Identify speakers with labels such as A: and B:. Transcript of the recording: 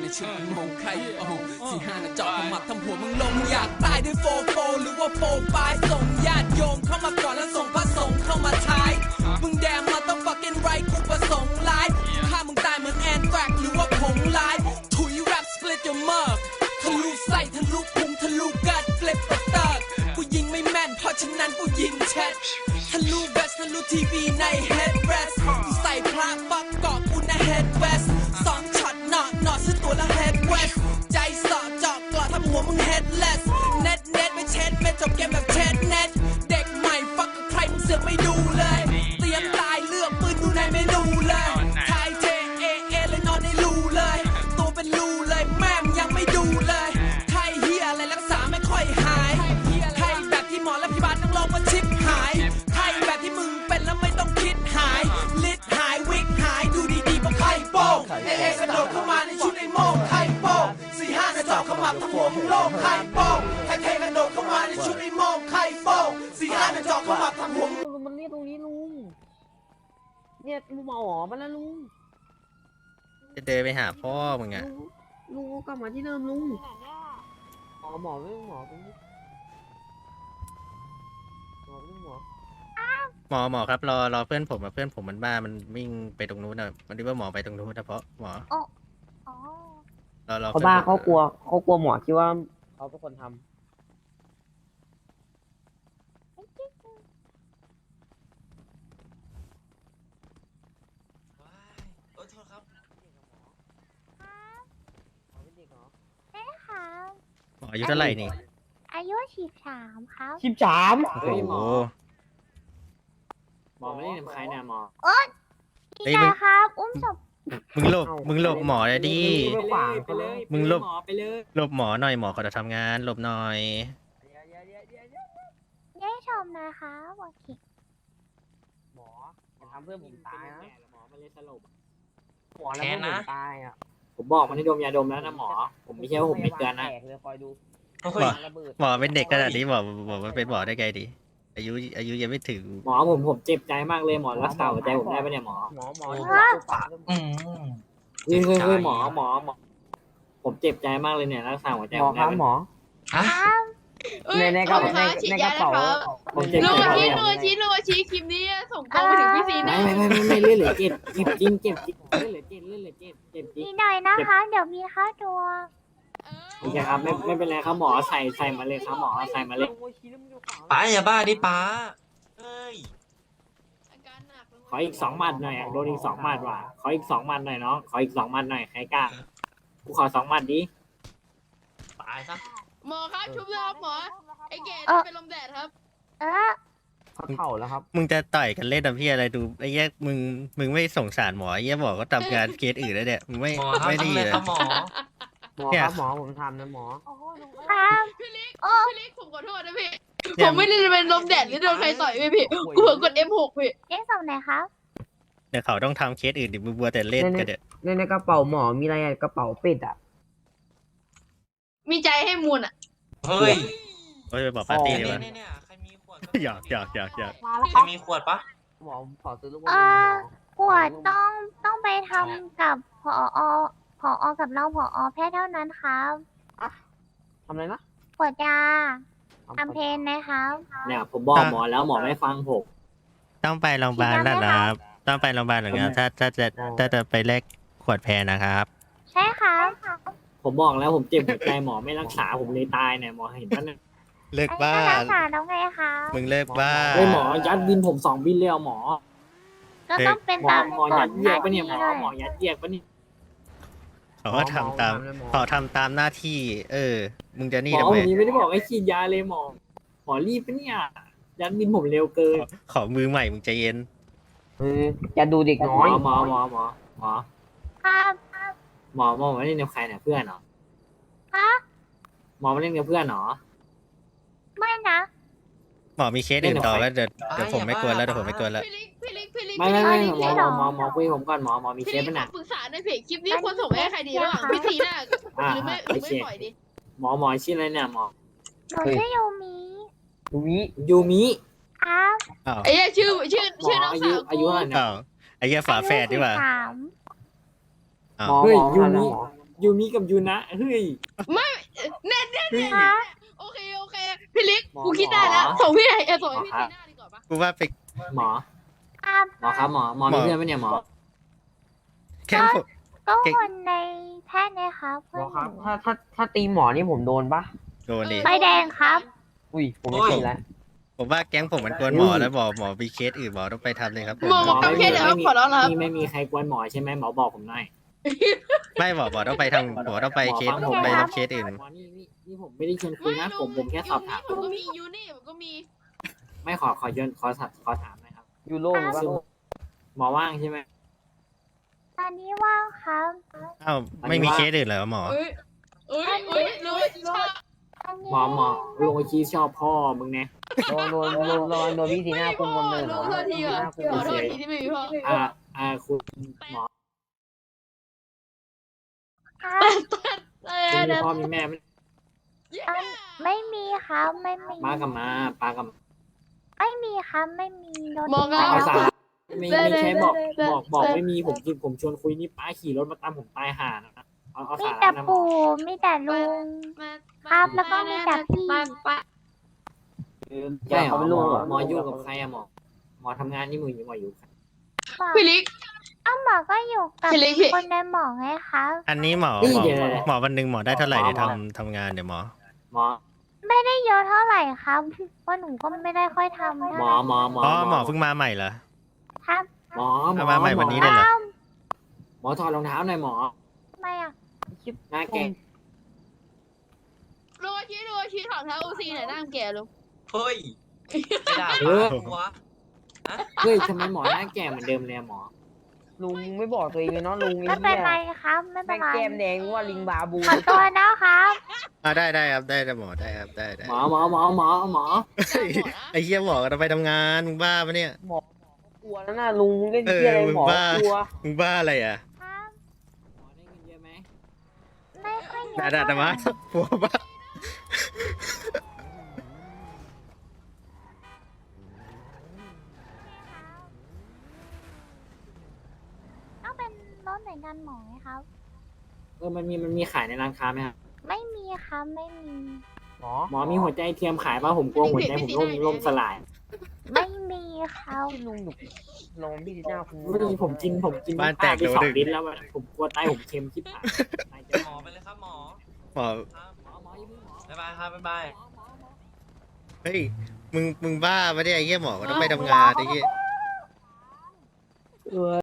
A: ชุดมงไข่โอ้45นะจอกขมับทำหัวมึงลงอยากตายด้วยโฟหรือว่าโฟปลายส่งญาติโยมเข้ามาก่อนแล้วส่งพระสงฆ์เข้ามาท้ายมึงแดงมาต้อง fucking right กูประสงค์ร้ายฆ่ามึงตายเหมือนแอนแฟกหรือว่าผงลายถุยแรป split your mug ทะลุไส้ทะลุพุงทะลุกัด flip the thug กูยิงไม่แม่นเพราะฉะนั้นกูยิงแชททะลุเวสทะลุทีวีใน headrest กูใส่พระปักเกาะกูใน head west 2 ช็อตหนอซื้อตัวละ head west ใจสอดจอกกลอดทำหัวมึง headless เน็ตไม่เช็ดไม่จบเกมแบบเช็ดเน็ตเด็กใหม่ฟักกับใครมึงเสือกไม่ดูเลยเตรียมตายเลือกปืนดูในเมนูเลยทายเทเลยนอนในรูเลยตัวเป็นรูเลยแม่มยังไม่ดูเลยไทยเฮียอะไรรักษาไม่ค่อยหายไทยแบบที่หมอและพยาบาลต้องลองมาชิปหายไทยแบบที่มึงเป็นแล้วไม่ต้องคิดหายลิดหายวิกหายดูดีๆปะไข่โป้งเอกระโดดเข้ามาในชุดในโม่งไข่โป้ง45กระจอกขมับทั้งหัวมึงโล่งไข่โป้งไทยกระโดดเข้ามาในชุดในโม่งไข่โป้ง45กระจอกขมับทั้งหัว
B: มันเรียกตรงนี้ลุงเนี่ยลุงมาหอมาแล้วลุง
C: จะเดินไปหาพ่อมึงอะ
B: ลุงกลับมาที่เดิมลุงหมอไม่หมอตรงนี้หมอ
C: ครับรอเพื่อนผมเพื่อนผมมันบ้ามันวิ่งไปตรงนู้นอะมันคิดว่าหมอไปตรงนู้นนะเพราะหมอรอ
B: เขาบ้าเขากลัวหมอคิดว่าเขาเป็นคนทำ
C: หมออายุเท่าไหร่นี่
D: อายุ13ครับ
B: 13
C: โอ้โห
B: หมอไม่ได้ทำใครนะหมอ
D: พี่ชายครับอุ้มศพ
C: มึงหลบหมอเลยดิ มึงหลบ
B: ไปเลย
C: หลบหมอหน่อยหมอเขาจะทำงานหลบหน่อย
D: ได้ชมนะครับโอเค
B: หมออย่าทำเพื่อนผมตายนะหมอไม่ได้สลบหมอแล้วเพื่อนผมตายอ่ะผมบอกมันให้ดมยาดมแล้วนะหมอผมไม่ใช่ว่าผมไม่เตือนนะคอยดู
C: หมอเป็นเด็กขนาดนี้หมอมันเป็นหมอได้ไงดิอายุยังไม่ถึง
B: หมอผมเจ็บใจมากเลยหมอรักษาหัวใจผมได้ปะเนี่ยหมอเฮ้ยหมอผมเจ็บใจมากเลยเนี่ยรักษาหัวใจผมได้หมอในกระเป๋าผมเจ็บใจ
E: ลุงชี้คลิปนี้ส่งตรงไปถึงพี่ซีนะ
B: ไม่เล่นเหลือเจ็บจริงเจ็บเล่นเหลือเจ็บจริง
D: นิดหน่อยนะคะเดี๋ยวมีค่าตัว
B: โอเคครับไม่เป็นไรครับหมอใส่มาเลยครับหมอใส่มาเลย
F: ป้าอย่าบ้าดิป้าเฮ้ย
B: ขออีก2 หมัดหน่อยโดนอีก2 หมัดว่ะขออีก2 หมัดหน่อยเนาะขออีก2 หมัดหน่อยใครกล้ากูขอ2 หมัดดิ
F: ตายซะ
E: หมอครับชุบเลยครับหมอไอเกดเป็นลมแดดครับ
B: เขาเข่าแล้วครับ
C: มึงจะต่อยกันเล่นทำพี่อะไรดูไอ้แยกมึงไม่สงสารหมอไอ้แยกหมอก็ทำงานเคสอื่นแล้วเนี่ยมึงไม่
F: หมอครับ
C: ไม่ดี
F: ทำเลย
C: เลย
F: ครับหมอ
B: ครับหมอผมทำนะหมอ
D: ครับ
E: พี่ลิกผมขอโทษนะพี่ผมไม่ได้เป็นลมแดดหรือโดนใครต่อยพี่กูเผลอกด M6 พี่
D: เอ๊ะศพไหนครับ
C: เดี๋ยวเขาต้องทำเคสอื่นดิมึงบัวแต่เล่นกันเดี๋ยว
B: ในกระเป๋าหมอมีอะไรกระเป๋าเป็ดอ่ะ
E: มีใจให้มูลอ่ะ
F: เฮ้ย
C: โอ้ยไปบอกปาร์ตี้ดีกว่า
F: เนี่ยใครมีขวด
C: อยาก
F: ใครมีขวดปะ
B: หมอขอซื้อลูก
D: ขวดต้องไปทำกับผอกับรองผอแพทย์เท่านั้นครับ
B: ทำอะไรนะ
D: ขวดยาทำเพนนะครับ
B: เนี่ยผมบอกหมอแล้วหมอไม่ฟังผม
C: ต้องไปโรงพยาบาลแล้วนะครับต้องไปโรงพยาบาลหรือไงถ้าจะไปแลกขวดแพรนะครับ
D: ใช่ครับ
B: ผมบอกแล้วผมเจ็บหัวใจหมอไม่รักษาผมเลยตายเนี่ยหมอเห็นปะเนี่ย
C: เลิกบ้า
D: อันนี้ก็รักษาแล้วไงคะ
C: มึงเลิกบ้า
B: เฮ้ยหมอยัดบินผม2 บินเลยหมอ
D: ก็ต้องเป็น
B: หมอ
D: ตาม
B: หมอยัดเยียกปะเนี่ยหมอยัดเยียกปะเนี่ย
C: เขาก็ทำตามเขาทำตามหน้าที่ มึงจะนี่
B: หมอ
C: ทำไม
B: วันนี้ไม่ได้บอกให้ฉีดยาเลยหมอรีบปะเนี่ยยัดบินผมเร็วเกิน
C: ขอมือใหม่มึงใจเย็น
B: จะดูเด็กน้อยหมอ
D: ครับ
B: หมอมาเล่นกับใครเนี่ยเพื่อนเหรอ
D: ฮะ
B: หมอมาเล่นกับเพื่อนเหรอ
D: ไม่นะ
C: หมอมีเคสอื่นต่อแล้วเดี๋ยวผมไม่กวนแล้วเดี๋ยวผมไม่กวนแล้ว
E: พี่ลิก
B: ไม่หมอคุยผมก่อนหมอมีเค
E: พี่ลิ
B: ส
E: ก
B: ปะเนี่ย
E: ปรึกษาในเพจคลิปนี้ควรส่งไปให้ใครดีระหว่างพี่ซีน่าหรือไม่ปล่อยดิ
B: หมอชื่ออะไรเนี่ยหมอ
D: หนูชื่อยูมิ
B: ยูมิ
D: ครับ
C: อ้าว
E: ไอ้ชื่อน้องสาว
B: อายุเท่าไหร่เนี่ย
C: อ้าวไอ้เหี้ยฝาแฝดดีกว่า
D: อายุ
C: อ้าว
B: เฮ้ยยูมิยูมิกับยูนะเฮ้ย
E: แน่ๆ
B: เฮ้ย
D: คะ
E: โอเคพี่ลิก
B: หมอ
E: กูคิดได้แล้ว
B: หมอ
E: ส่งพี่ไหนส่งให้พี่
B: หมอ
E: ทีหน้าดีกว่าปะ
C: กูว่าไป
B: หมอ
D: ครับ
B: หมอครับหมอมีเพื่อนไหมเนี่ยหมอ
C: แค้นผม
D: ก็
C: เก่ง
D: คนในแพทย์นะครับ
G: หมอครับถ้าตีหมอนี่ผมโดนปะ
C: โดนดิ
D: ใบแดงครับ
G: อุ้ยผมไม่ตีแล้ว
C: ผมว่าแก๊งผมมันกวนหมอแล้วหมอมีเคสอื่นหมอต้องไปทำเลยครับผม
E: หมอโอเคเดี๋ยวขอร้องนะครับ
B: ไม่มีใครกวนหมอใช่ไหมหมอบอกผมหน่อย
C: ไม่หมอต้องไปทำหมอต้องไปเคส
B: หมอฟังผม
C: ไป
B: นะ
C: รับเคสอื่น
B: หมอนี่ผมไม่ได้ชวนคุยนะผมแค่สอบถาม
E: ผมก็มียูนี่ผมก็มี
B: ไม่ขอย้อนขอถามหนะครับ
G: ยูโรหรือว่า
B: หมอว่างใช่ไหม
D: ตอนนี้ว่างครับ
C: อ้าวไม่มีเคสอื่นเหรอหมอ
E: เอ้ยรู้ว่าชอบ
D: ตอนนี้
B: หมอลงไอชีชอบพ่อมึงไง
G: โดนพี่สีหน้าคุมกำเนิดเหร
E: รู้
G: อ
E: โทษทีอ่ะขอโทษทีที่ไม่มีพ่อ
B: คุณหมอ
D: ครับ
B: คุณมีพ่อมีแม่ไหม
D: ไม่มีครับไม่มี
B: มากับมาปากับ
D: ไม่มีครับไม่มีรถ
E: มอง
B: ปา
E: อ่ะ
B: ภาษาไม่ใช่บอกไม่มีผมชวนคุยนี่ป้าขี่รถมาตามผมตายห่านะเอา
D: มี
B: สา
D: แต่
B: ระนะหมอ
D: ปู่มีแต่ลุง ครับแล้วก็มีแต่พี่
B: ใช่เหร
G: เขา
B: อ
G: เป็น
B: หม
G: ลู
B: อก
G: เหรอ
B: หมออยู่กับใครอะหมอทำงานนี่มืออยู่หมออยู่
E: พี่ลิก
D: หมอก็อยู่กับ
E: พี่เล็กพี่
D: คนในหมอไงคะ
C: อันนี้หมอ
B: นี่
C: หมอ
B: เดี๋ยว
C: หมอวันหนึ่งหมอได้เท่าไหร่เดี๋ยวทำงานเดี๋ยวหมอ
B: หมอ
D: ไม่ได้เยอะเท่าไหร่ครับเพราะหนูก็ไม่ได้ค่อยทำเท่า
B: ห
D: ไห
B: ม
D: ร่
B: อ
C: หมอเพิ่งมาใหม่เหรอ
D: ครับ
B: หมอ
C: เอามาใหม่วันนี้เลยเหรอ
B: หมอถอดรองเท้าหน่อยหมอ
D: ทำไมอ่ะ
B: หน้าแก่
E: ดูอาชีถอดเท้าอูซีหน่อยหน้าแก่ลุง
F: เฮ้ยไม่ด่าป้ากูวะ
B: เฮ้ยทำไมหมอหน้าแก่เหมือนเดิมเลยหมอ
G: ลุงไม่บอกตัวเองเลยเนาะลุง
D: ไม่เป็นไรครับไม่เป็
G: แม่
D: น
G: ง
D: ไร
G: แก้มแดงว่าลิงบาบู
D: ขอตัวนะครับ
C: ได้ครับได้หมอได้ครับได้
B: หมอ
C: ไอ้เหี้ยหมอก็ต้องไปทำงานมึงบ้าปะเนี่ย
G: หมอกลัวแล้วนะลุงเล่นเที่ยอะไรหมอกลัว
C: มึงบ้าอะไรอ่ะ
D: ครับ
B: หมอได้เงินเยอะไหม
D: ไม่ค่อยเย
C: ด่า
D: อะ
C: ด่า
D: เท่าไหร่
C: มาผัวบ้า
D: ต้องเป็นรถหน่วยงานหมอไหมครับ
B: มันมีขายในร้านค้าไหมครับ
D: ไม่มีครับไม่มี
G: หมอ
B: หมอมีหัวใจเทียมขายป่ะผมกลัวหัวใจผมล่มสลาย
D: ไม่มีครับ
G: ที่ลุงหนุกลองพี่สีหน้าคุม
B: ไม่ดีผมกินไป2 ลิ้นแล้วผมกลัวไตผมเค็มชิบหาย
F: หมอไปเลยครับหมอ
C: หมอ
B: หมออย่าเพิ่งหมอ
F: บ๊ายบายครับบ๊ายบาย
C: เฮ้ยมึงบ้าปะเนี่ยไอ้เหี้ยหมอก็ต้องไปทำงานไอ้เหี้ย